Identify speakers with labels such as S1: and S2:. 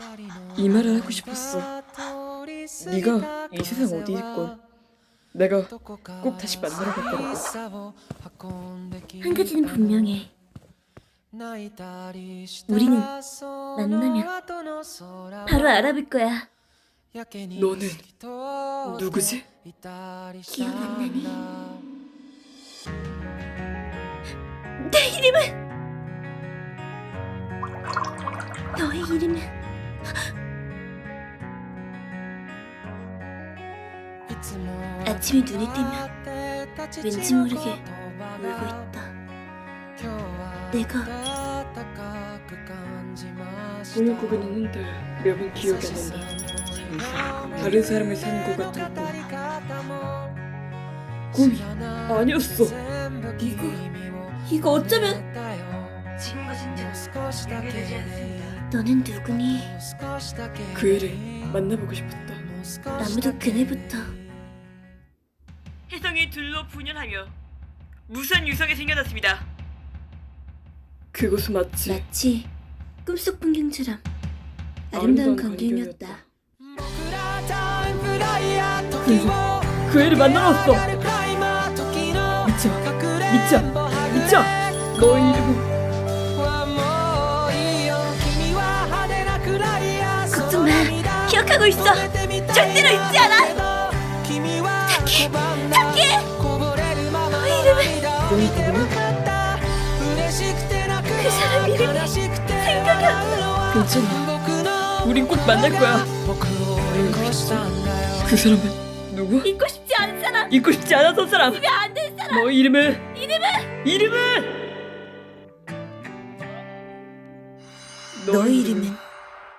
S1: 이 말을 하고 싶었어. 네가 이 세상 어디 있건 내가 꼭 다시 만나러 갈 거라고.
S2: 한 가지는 분명해. 우리는 만나면 바로 알아볼 거야.
S1: 너는 누구지?
S2: 기억 안 나니? 내 이름은! 너의 이름은 아침에 눈이 뜨면 왠지 모르게 울고 있다. 내가
S1: 꿈을 꾸긴 했는데 몇은 기억이 안 난다. 다른 사람을 사는 것 같은 꿈이 아니었어.
S2: 이거 어쩌면 너는 누구니?
S1: 그 애를 만나보고 싶었다.
S2: 아무도 그날부터
S3: 혜성이 둘로 분열하며 무수한 유성이 생겨났습니다.
S1: 그곳은 마치
S2: 마치 꿈속 풍경처럼 아름다운 광경이었다.
S1: 그래서 그 애를 만나러 왔어. 미쳐. 너의 이름은
S2: 걱정 마. 기억하고 있어. 절대로 잊지 않아. 타키. 너의 이름은 그 사람 이름이 생각이 안 나.
S1: 괜찮아. 우린 꼭 만날 거야. 그 사람은 누구?
S2: 잊고 싶지 않은 사람.
S1: 잊고 싶지 않았던 사람.
S2: 집에 안 된 사람.
S1: 너의 이름은
S2: 너의 이름은